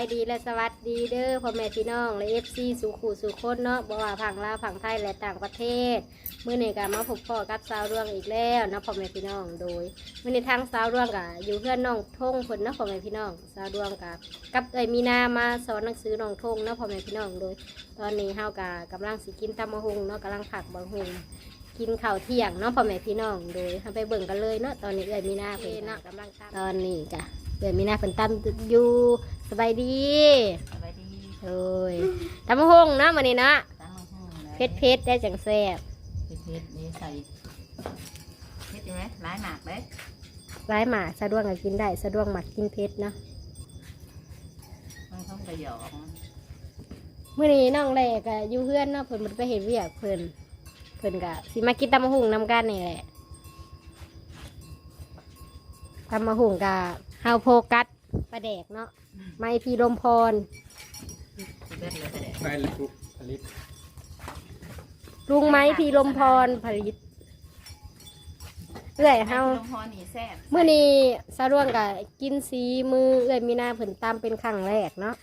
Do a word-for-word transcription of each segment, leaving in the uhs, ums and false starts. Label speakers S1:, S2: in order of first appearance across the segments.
S1: ายดีและสวัสดีเด้อพ่อแม่พี่น้องและเอฟซีสุขุสุขคนเนาะบ่ว่าฝั่งลาวฝั่งไทยและต่างประเทศมื้อนี้ก็มาพบพ่อกับสาวดวงอีกแล้วเนาะพ่อแม่พี่น้องโดยมื้อนี้ทางสาวดวงก็อยู่เพื่อนน้องทงเพิ่นเนาะพ่อแม่พี่น้องสาวดวงกับกับเอ้ยมีนามาสอนหนังสือน้องทงเนาะพ่อแม่พี่น้องโดยตอนนี้เฮาก็กำลังสิกินตำมะฮุงเนาะกำลังผักบะฮุงกินข้าวเที่ยงเนาะพ่อแม่พี่น้องโดยเฮาไปเบิ่งกันเลยเนาะตอนนี้เอ้ยมีนาเพิ่นเนาะกำลังตอนนี้ก็เอ้ยมีนาเพิ่นตำอยู่สบายดี
S2: สบายดี
S1: โอ้ยตำมะฮุงเนาะมื้อนี้เนาะ
S2: ตำมะฮุ่ง
S1: เผ็ดเผ็ดได้จังแซ่บ
S2: เผ็ดเผ็ดนี่ใส่เผ็ดอยู่ไหมหลายหมากเลย
S1: ร้ายหมาสะดวกก็กินได้สะดวกหมักกินเผ็ดเนาะ
S2: มันต้องกระยอก
S1: มื้อนี้น้องแหลกก็อยู่เพื่อนเนาะเพิ่นมันไปเฮ็ดเวียกเพิ่นเพิ่นก็สิมากินตำมะฮุงนำกันนี่แหละตำมะฮุงก็เฮาโฟกัสปลาแดกเนาะไม้พีลมพร
S2: เบ็ดเลยแต่
S3: ไปเลยปุ๊บผลิต
S1: ลุงไม้พีลมพรผลิตเอื้อยเฮา
S2: ลงพอนี่แซ่บ
S1: มื้อนี้สะดวกก็กินสีมือเอื้อยมีนาเพิ่นตำเป็นครั้งแรกเนาะ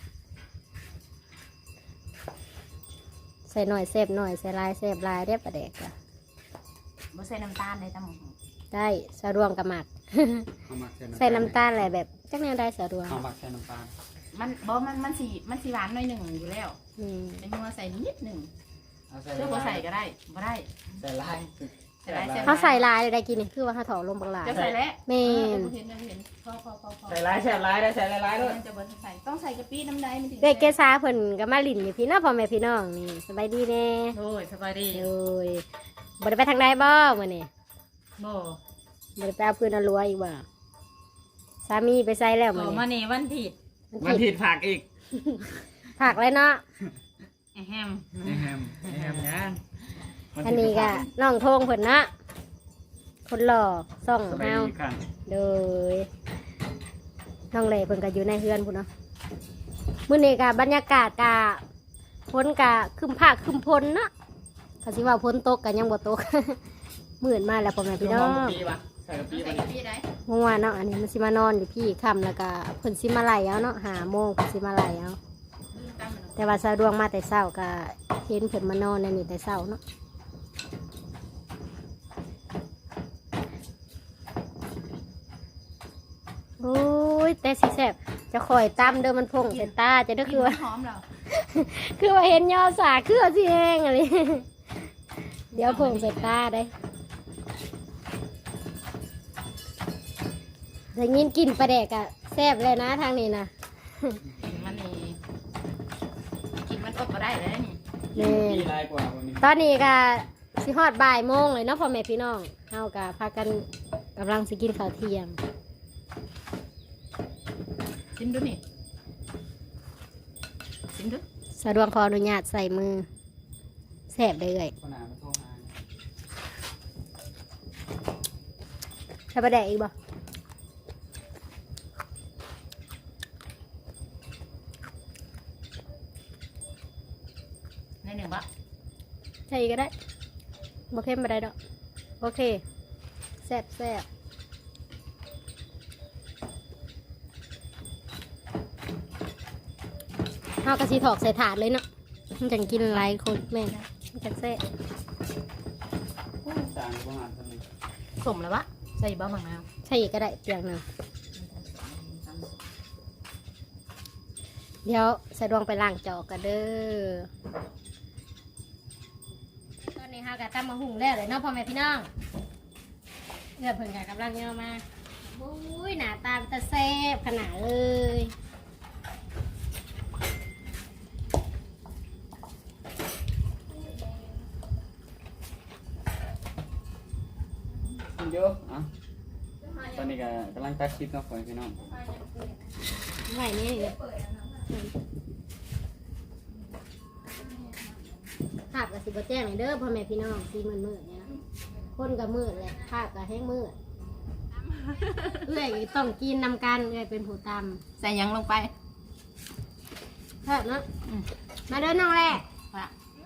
S1: ใส่หน่อยแซ่บหน่อยใส่ลายแซ่บลายได้ปลาแดกก็
S2: บ่ใส่น้ำตาลเลยตำมะฮุ่ง
S1: ได้สะดวกกับหมัก
S3: เอาหมัก
S1: ใส่น้ำตาลอะไรแบบจักแนวได้สะดวก
S3: เอาหมักใส่น้ำตาล
S2: มันบ่มันมันสีมันสีหวานหน่อยหนึ่งอยู่แล้ว
S1: อืม
S2: เป็นมัวใส่นิดหนึ่ง
S3: เอาใส่
S2: เพื่อบ่ใส่ก็ได้บ่ได้
S3: ใส่ลาย
S2: ใส่ลาย
S1: เขาใส่ลายได้กินนี่คือว่าเขาถอดลงบางลาย
S2: จะใส่แล้ว
S1: แม่น
S2: เห็นเห็นพอพอพอพอ
S3: ใส่ลายใส่ลายได้ใส่ลายลายด้วย
S2: มันจะบ่ใส่ต้องใส่กะปิน้ำใดมันถึง
S1: เด็กเกษาเพิ่นกับมาลินอยู่พี่น้องพ่อแม่พี่น้องนี่สบายดีแน่
S2: โอ้ยสบายดี
S1: โอ้ยบ่ได้ไปทางใดบ่มื้อนี้
S2: บ่
S1: บ่ได้ไปเอาปืนเอารั้วอีกบ่สามีไปใส่แล้วมื้อ
S2: ต่อ
S1: นี้
S2: มานี่วันผิด
S3: มันผิดผักอีก
S1: ผักเลยเนาะ
S2: แอม
S3: ไอ้แฮมไอ้แฮมย่าง
S1: อันนี้ก็น้องโทงเพิ่นเนาะคนหล่อส่อง
S3: สบาย
S1: เฮา
S3: ดีกัน
S1: โดยน้องเล่เพิ่นก็อยู่ในเฮือนพุ่นเนาะมื้อนี้ก็บรรยากาศก็ฝนก็ครึมภาคครึมพลเนาะก็สิว่าฝนตกก็ยังบ่ตก มื้อมาแล้วพ่อแม่พี่น้อง
S3: ปีวะใส่กะปิ
S2: ใส่
S3: ไป
S2: กะปิได้
S1: งัวเนาะอันนี้มันสิมานอนอยู่พี่ค่ำแล้วก็เพิ่นสิมาไล่เอาเนาะห้าโมงเพิ่นสิมาไล่เอาแต่ว่าสะดวกมาแต่เช้าก็เห็นเพิ่นมานอนในนี่แต่เช้าเนาะโอ้ยแต่สิแซ่บจะคอยตำเด้อมันพงใส่ตาจะได้คือว่า
S2: หอมเหรอ
S1: คือว่าเห็นยอสาคือว่าสิแห้งอะไร เดี๋ยวพงใส่ตาได้แต่ยินกินปลาแดกอะแซ่บเลยนะทางนี้นะ
S2: กินมันนี่กินมันอดก็ได้เลยนี่
S1: นี่
S3: ปีลายกว่าวันนี้
S1: ตอนนี้ก็สิฮอดบ่ายโมงเลยเนาะพ่อแม่พี่น้องเฮากะพากันกำลังสิกินข้าวเที่ยง
S2: ชิมดูนี่ชิมดู
S1: สะดวกขออนุญาตใส่มือแซ่บได้เลย
S3: คนหนามาโทรหา
S1: ใส่ปลาแดกอีกบ่
S2: ในหนึ่งบะ
S1: ใส่อีกก็ได้บ่เค็มบ่ได้ดอกโอเคแซ่บแซ่บเฮากะสิถอกใส่ถาดเลยเนาะมันจังกินหลายคนแม่นมันจังแซ่บ
S3: จานประมาณเท่านี้
S2: สมแล้ววะใส่บะมังนาว
S1: ใช่อีกก็ได้เตียงหนึงเดี๋ยวใส่ดวงไปล้างจอกกันเด้อตอนนี้เฮากะตำมะหุ่งแล้วเลยเนาะพ่อแม่พี่น้องเลือดเพิ่นกะกำลังเยอะมาโอ้ยหน้าตามันจะแซ่บขนาดเลย
S3: กินเยอะอ่ะตอนนี้ก็กำลังตัดคลิปเนาะพี่น้อง
S1: ไหวนี่เลยภาพกับสิบแจ้งเลยเด้อพ่อแม่พี่น้องสีมืดมืดเนี่ยคนกับมืดเลยภาพกับแห้งมืดเอื้อยต้องกินนำกันเอื้อยเป็นผู้ต
S2: ใส่หยังลงไป
S1: ำเถิดเนาะมาเด้อน้องแร่
S2: ว่ะ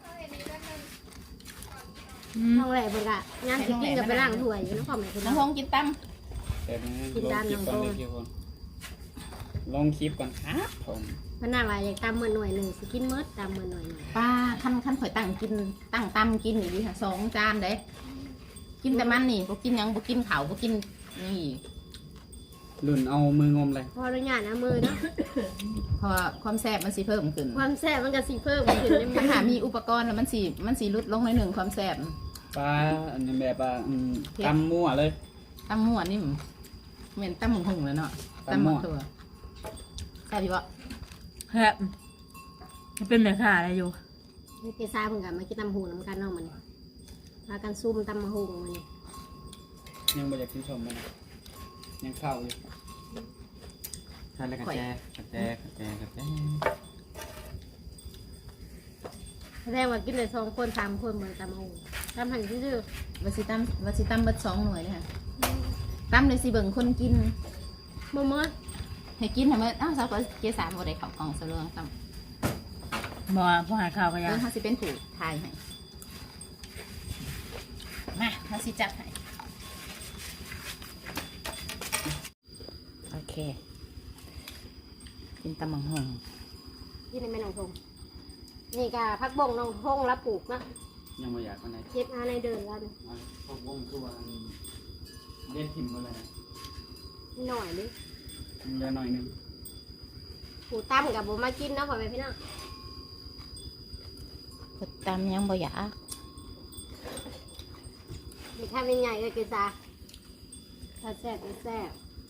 S1: น้องแร่เบิ่งอะงานสิกินกับไปล้างถ้วยอยู่เนาะพ่อแม่พี่น้
S2: น้
S1: อ
S2: อง งพงกินตั้ม
S3: แต่นี้
S1: กินด้านหลัง
S3: ล
S1: ตรง
S3: คลิปก่อนเลยคลิปก่อนลงคลิปก่อนครับผม
S1: พนน่าว่าอยากตำมื้อหน่วยหนึงสิกินหมดตำมื้อหน่วยหนึง
S2: ป้าขั้นขั้นข่อยตั้งกินตั้งตำกินนี่ดิค่ะสองจานเด้กินแต่มันนี่บ่กินหยังบ่กินข้าวบ่กินนี่
S3: รุ่นเอามืองมเลย
S1: พออนุญาตนะมือเนาะ
S2: เพราะว่าความแซ่บมันสิเพิ่มขึ้น
S1: ความแซ่บมันก็สิเพิ่มขึ้นในมื
S2: ถ้า
S1: อ
S2: หามีอุปกรณ์แล้วมันสิมันสิลดลงหน่อยหนึ่งความแซ่บ
S3: ปลาอันนี้แบบว่าอืมตำมั่วเลย
S2: ตำมั่วนี่เหม็นตำหมูหุ่งเลยเนาะ
S3: ตำมั่ว
S2: ถั่วแซ่บอยู่บ่
S4: ครับมันเป็นแม่ค้าอะไรอยู่
S1: นี่เกซ่าเพิ่นก็มากินตำหูน้ำกันเนาะมันพากันซุ่มตำมะฮุงมันนี่
S3: ยังไม่อยากกินชมมันนะยังเข้าอยู่ทานแล้วกระแจกระแจกระแจกระแจ
S1: แสดงว่ากินได้สองคนสามคนเหมือนตำมะฮุงตำหันซื่อ
S2: วัสิตำวัสิตำเบิดสองหน่วยเลยค่ะตำเลยสิเบิ่งคนกิน
S1: ๆบ่มื้อ
S2: ให้กินทำไมอ้าวสาวก็เกสามบ่ได้เข้ากล่องซะเรื่องตำ
S4: บ่พอหาข้าวก็ยั
S2: เรื่อง งเขาสิเป็นผู้ทายให้มาเขาสิจับให้โอเคกินตำหมูหุ่ง
S1: กินในแม่น้องทงนี่ก็พักบงน้องทงรับปลูกเนาะ
S3: ยังไม่อยากคนไหน
S1: เก็บอาในเดินแล้วนี่
S3: พวกวงคือว่าเล่นทิมมาเลยนะ
S1: นิดหน่อยนึง
S3: เหลือหน่อยหนึง
S1: ปูตั้มกับบ่มากินเนาะพ่อแม่พี่น้อง
S2: กดตำยังบ่อยาก
S1: นี่ถ้าเป็นใหญ่ก็เกซ่าถ้าแซ่บก็แซ่บ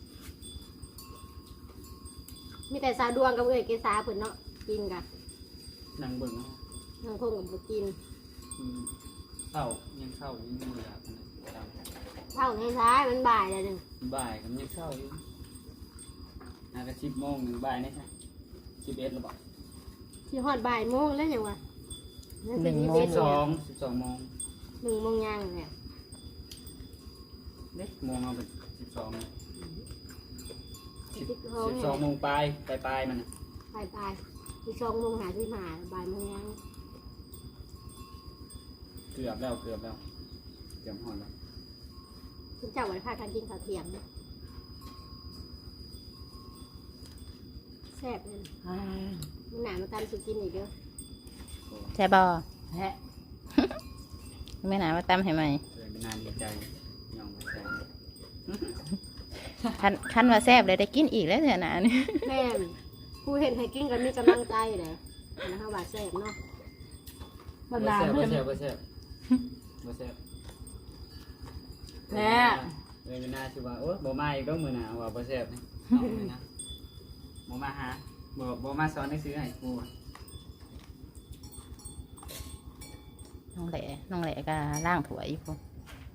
S1: มีแต่ซาดวงกับเอ้ยเกซ่าเพิ่นเนาะกินกัน
S3: นั่งเบิ่งเอา
S1: น้องทงกับบ่กิน
S3: อืมเข้ายังเข้าอยู่ยังไม่อยากคนไหนตาม
S1: เท่าในซ้ายมันบ่ายแล้วหนึง
S3: บ่ายก็ยังเข้าอยู่น่าจะสิบโมงหนึ่งบ่ายนี่ใช่สิบเอ็ดหรือเปล่า
S1: ที่ฮอดบ่ายโมงแล้วยังวะ
S2: หนึ่งโม
S3: สิ
S2: ง
S3: บสองสิบสองโมง
S1: หนึ่งโมงย่างเนี่ย
S3: เด็กโมงเอาเป็นสิบสอง
S1: สิ
S3: สิ
S1: บบ สอง
S3: สองโมงปลายปลายปลายมันน่ะ
S1: บ่ายบ่ายที่สองโมงหาที่หาบ่ายโมงย่าง
S3: เกือบแล้วเกือบแล้วเกือบหอดแล้ว
S1: คุณเจ้าวันพากันกินข้าวเที่ยงนะแซ่บเลยนะมันหนามาตามสุกินอีกเด้อ
S2: ใช่บ่
S4: แฮะ
S2: ไม่นานมาตำให้ไหม
S3: เลยเป็นนานดีใจยองมาแซง
S2: คันคันว่าแซ่บเลยได้กินอีกแล้วเถอะนะนี่
S1: แม่นผู้เห็นให้กินกันมีกำลังใจเลยนะคะว่าแซ่บเนาะ
S4: บรร
S3: บ่
S4: ดา
S3: แซ่บ
S4: เพื่
S3: บ่
S4: อน
S3: แซ่บบ่แซ่บบ่แซ่บ
S4: แม่
S3: เลยเป็นนาสิว่าโอ๊ยบ่มาอีกแล้วมื้อหน้าว่าบ่แซ่บนี่เอาเลยนะบ่มาหาบ่บ่มาสอนให้ซื้อให้กูอะ
S2: น้องแหล่น้องแหล่ก็ล่างถั่วอยู่พุ่น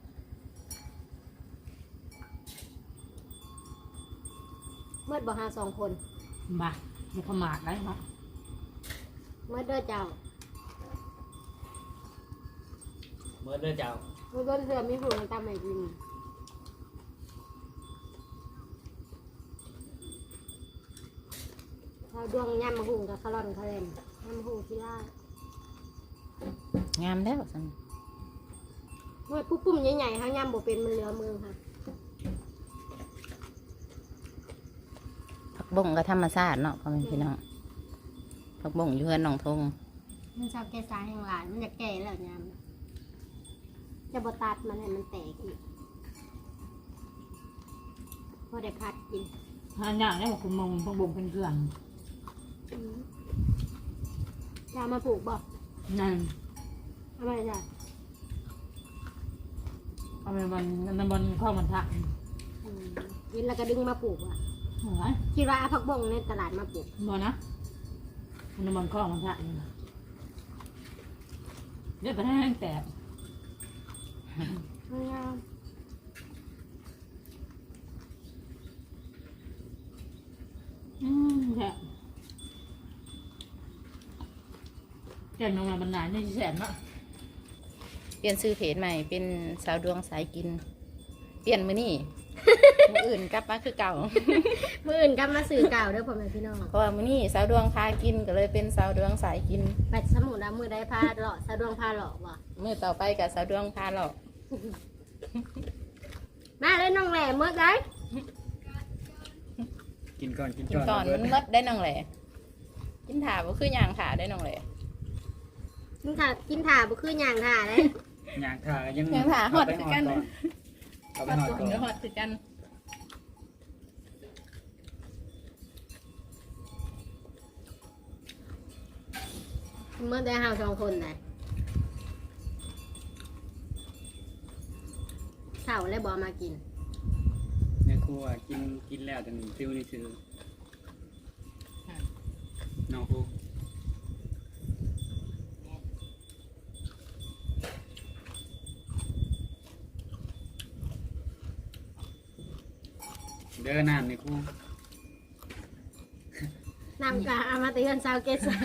S1: เมื่อบ่หาสองคน
S4: มาบุกขมาดได้เนาะ
S1: เมื่อเด้อเจ้า
S3: เบิดเด้อเจ้า
S1: เมื่อต้นเสือมีผู้ให้ตามให้กินข้าวดวงยำมะฮุงกับคาร่อนคาเรนยำมะฮุงที่ล่าง
S2: ามแล้วสัน
S1: เมื่อปุ๊บปุ้มใหญ่ๆเขายำบ่เป็นมันเหลือมือค่ะ
S2: ผักบุ้งก็ธรรมชาติเนาะพ่อแม่พี่น้องผักบุ้งอยู่เฮือนหนองทง
S1: มันชอบแก่สายแห่งหลายมันจะแก่แล้วยำจะบ่ตัดมันให้มันแตกอีกพอได้พัดกิน
S4: หาอย่างได้บอกคุณมงพวกบุงเป็นเกลือน
S1: จะมาปลูกบ่
S4: นั่น
S1: ทำไมจ้ะ
S4: เอาไปวันนันบอลข้าวมันทะ
S1: อืมกินแล้วก็ดึงมาปลูกอ่ะ
S4: โอ้ย
S1: คิดว่าเอาผักบงในตลาดมาปลูก
S4: บอนะนันบอลข้าวมันทะนี่นะเดี๋ยวไปให้แห้งแตก
S1: ไม่เอา
S4: อืมแค่แกนลงมาบรรดาเนี่ยแสนเนาะ
S2: เปลี่ยนชื่อเพจใหม่เป็นสาวดวงสายกิน เปลี่ยนมือนี่ มืออื่นกลับมาคือเก่า
S1: มื่ออื่นกลับมาสื่อเก่าเด้อพ่อแม่พี่น้อง
S2: เพราะว่ามือนี่สาวดวงพากินก็เลยเป็นสาวดวงสายกิน
S1: ไปสมุนนะมือได้พาหล่อสะดวงพาหล่อบ่
S2: มือต่อไปกับสาวดวงพาหลอก
S1: มาเลยน้องแหล่เมื่อได
S3: กินก่อนกิน
S2: กิน
S3: ก่อน
S2: ก่อน
S3: เบิ
S2: มั
S3: ด
S2: นมดได้น้องแหล่กินถ่าบ่คือย่างถ่าได้น้องแหล่
S1: กินถ่ากินถ่าบ่คือหย่างถ่าเลย
S3: ย่างถ่ายัง
S2: ย่างถ่าฮอด
S3: เไป
S2: คือกัน
S3: เอาไปฮอดก่อน
S2: เดี๋ยวฮอดคือกัน
S1: เมื่อได้เฮาสองคนน่ะเฒ่าแล้วบ่มากิน
S3: ในครัวกินกินแล้วแต่นี่ซิวนี่ซื้อน้องครูเด้อน้ำในครู
S1: นำกะเอามาเตือนชาวเกษา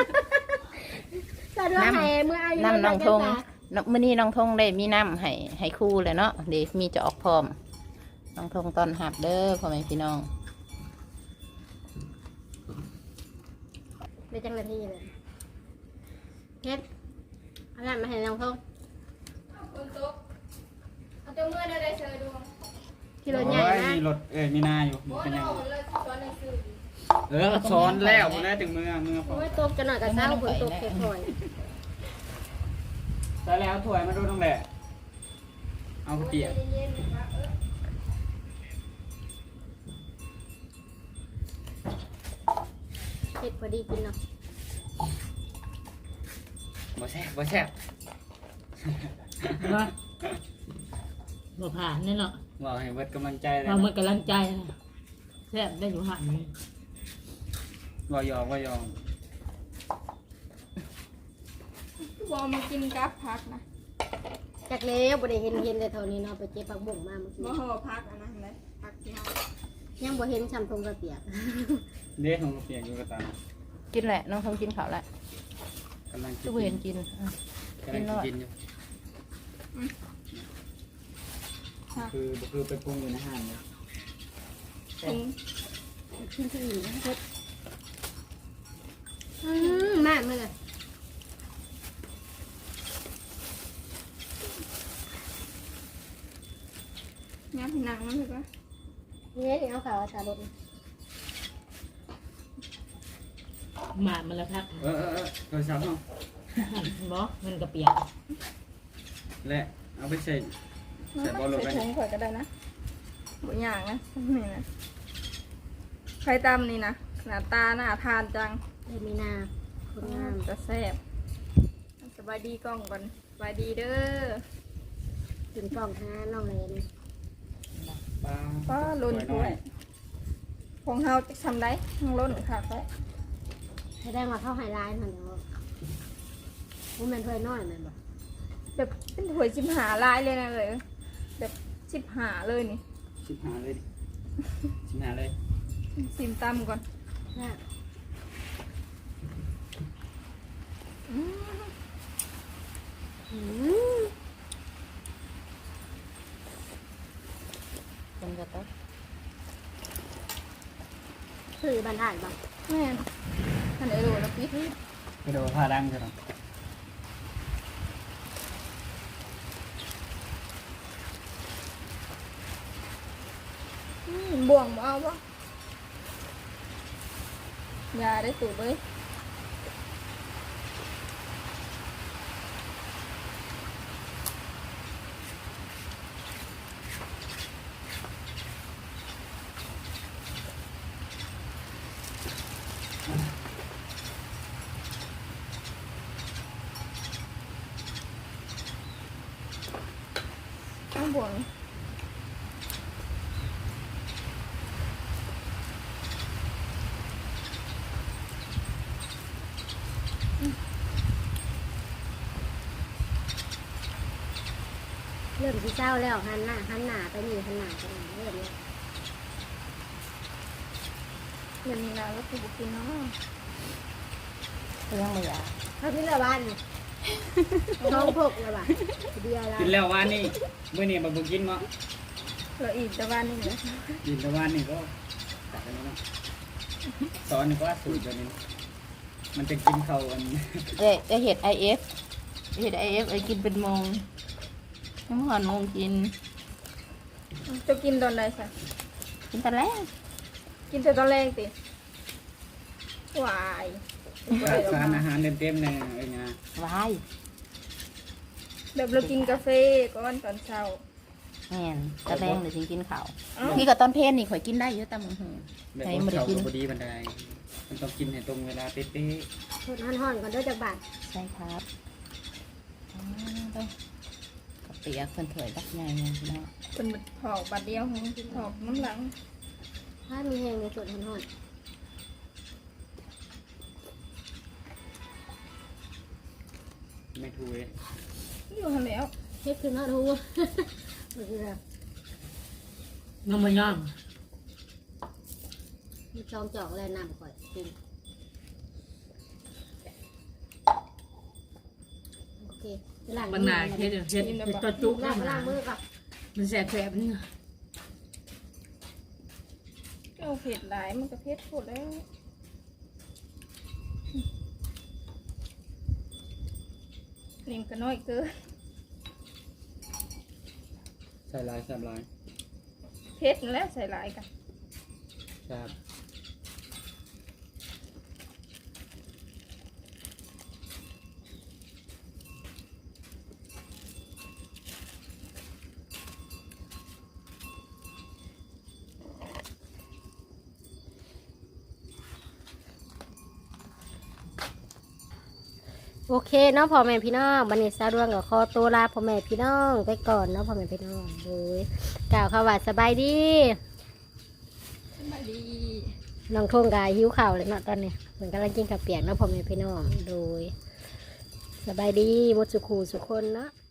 S1: จะด้วยให้เมื่ออายุ
S2: น้ำน้องทง
S1: เกษา
S2: น้ำมื้อนี้น้องทงได้มีน้ำให้ให้ครู่เลยเนาะเดี๋ยวมีจะออกพร้อมน้องทงตอนหับเด้อพ่อแม่พี่น้อง
S1: ได้จังนาทีเลยเพชรเอาน้ำมาให้น้องทงเอาตัวมือได้เชิญดูที่รถใหญ่
S3: โอ้ย
S1: นะ
S3: มีรถเอ้ยมีนาอยู่มันเป็นยังไงเออซ้อนแล้วมันได้ถึงมือมือพอ
S1: โอ้ยตกจะหน่อยกับเศร้าฝนตกเค่อย
S3: แต่แล้วถ้วยมาดูตรงแหละเอาข้าวเปียก
S1: เผ็ดพอดีกินเนาะ
S3: บ่แซ่บบ่แซ่บ
S4: ว่าบ่ผ่านแน่เนาะ
S3: บอกให้เบิดกำลังใจเลย
S4: เรา
S3: นะ
S4: เมื่อกำลังใจนะแซ่บได้อยู่หันนี่
S3: บ่ยอมบ่ยอม
S5: บอมากินกับพักนะ
S1: จากเล้วบ่ได้เห็นเห็นเลยเท่านี้เนาะไปเจ็บผักบุ้งมาเมื่อกี้
S5: บ่ห่อพักอันนั้นเลยพักที่เฮา
S1: ยังบ่เห็นชำทงกระเปียก
S3: เด็กของข้าวเปียกอยู่กระตาม
S2: กินแหละน้องทงกินข้าวละ
S3: กำลังกิ
S2: ทุ
S3: น
S2: กเห็นกินอ่ะ
S3: กำลังกินอยู่คือบ่คือไปปรุงอยู่ในห้างเลย
S5: ถึง
S1: กินที่อื่นนะเผ็ดอืมมากเลย
S5: ย้ำพี่นางมันเลยปะ
S1: นี่นี่เอาข่าวสารบ
S4: หมามันละพัก
S3: เออเออเออโทรศัพท์เนาะ
S4: บ่มันกระเปียก
S3: และเอาไปใส่ใส่บอลลงไป
S5: ใส่ถุงข่อยก็ได้นะบ่ย่างนะนี่นะไข่ตำนี่นะหน้าตาน่าทานจัง
S1: เอมีนาคนงาม
S5: จะแซ่บสบายดีกล้องก่อนสบายดีเด้อ
S1: ถึงกล่องหาน้องเลน
S3: ปลา
S5: ป้าล้นถ้วยของเฮาจะทำได้ทั้งล้นค่ะไป
S1: แสดงว่าเข้าไฮไลท์หน่อยเนาะว่ามันถ้วยน้อยแมันบ่
S5: แบบเป็นถ้วยชิมหาลายเลยนะเลยแบบชิมหาเลยนี่
S3: ชิบหายเลยดิชิบหายเลย
S5: ชิมตำก่อน
S1: น่ะ
S5: อืม
S1: อืม
S2: คนจะต้อง
S1: คือบรรทัดบ่
S5: แม่นท่านไอ้โหลแล้วพี่
S3: กระโดดผ้าดังใช่ไหม
S5: อืมบ่วงบ่เอาบ่ยาได้สูบเลยเอาบ่วง
S1: เริ่มที่เศร้าแล้วหันหน้าหันหน้าไปนี่หันหน้าไปนี่เริ่มแล้ว
S5: เดี๋ยวนี้นะแล้วคือบุกินเนาะ
S2: ยังไม่อยาก
S1: เขาที่ละวันท้องพกละวันเดียวละ
S3: กินแล้ววันนี้เมื่อนี้มาบุกินเนาะ
S5: เราอีกแต่วันนี้เลย
S3: กินแต่วันนี้ก็ตัดกันแล้วเนาะสอนนี่ก็สูตรแบบนี้มันจะกินเขาอัน
S2: เอ้ยไอเห็ดไอเอฟเห็ดไอเอฟไอกินเป็นโมงยังไม่หอนโมงกิน
S5: จะกินตอนใดสัก
S2: กินแต่แรก
S5: กกินแต่ตอนแรกติวาย
S3: สารอาหารเต็มๆเลยไอ้นะ
S2: วาย
S5: แบบเรากินกาแฟก่อนตอนเช้า
S2: แม่นตะแรงเดี๋ยวฉันกินข้าว
S5: เอ้า
S2: พี่กับตอนเพลนนี่ข่อยกินได้เยอะแต่มึงหือ
S3: แบบ
S2: ให้
S3: ว่า
S2: บ่ได้
S3: เขา
S2: กิน
S3: พอดีบันไดมันต้องกินให้ตรงเวลาเป๊ะ
S1: ทดห่อนๆก่อนเด้วยจากบาท
S2: ใช่ครับอ๋อต้องกับเปียกเพิ่นเถยบักใหญ่เนี่ยพี่น้อง
S5: เป็นถอกบาดเดียวของถอกน้ำหลัง
S1: ถ้ามีแหงในส่วนห่อน
S3: ๆไม่ถูกเลย
S5: อยู่หันแล้ว
S1: ๆเฮ็ดขึ้นมาดู เมื่อกี้แบบ
S4: น้องมาย่าง
S1: มีจองจอกแล้วน้ำก่อยกินโอเคไปล้าง
S4: บางนาเฮ็ดเฮ็ดเฮ็ดตัวจุก
S1: ล้า
S4: นะ
S1: งล้างมือกับ
S4: มันแสบแสบนี่
S5: เอาเผ็ดหลายมันก็เผ็ดโคตรแล้วเล่มก็น้อยเกิน
S3: ใส่ลายใส่ลาย
S5: เผ็ดนั่นแหล้วใส่หลายกัน
S3: ครับ
S1: โอเคเนาะพ่อแม่พี่น้องบันนี้สาวดวงกับคอตัวลาพ่อแม่พี่น้องไปก่อนเนาะพ่อแม่พี่น้องโดยกล่าวคำว่าสบายดี
S5: สบายดี
S1: น้องทงกายหิวข่าวเลยเนาะตอนนี้เหมือนกำลังกินข้าวเปียกเนาะพ่อแม่พี่น้องโดยสบายดีหมดสุขูสุคนเนาะ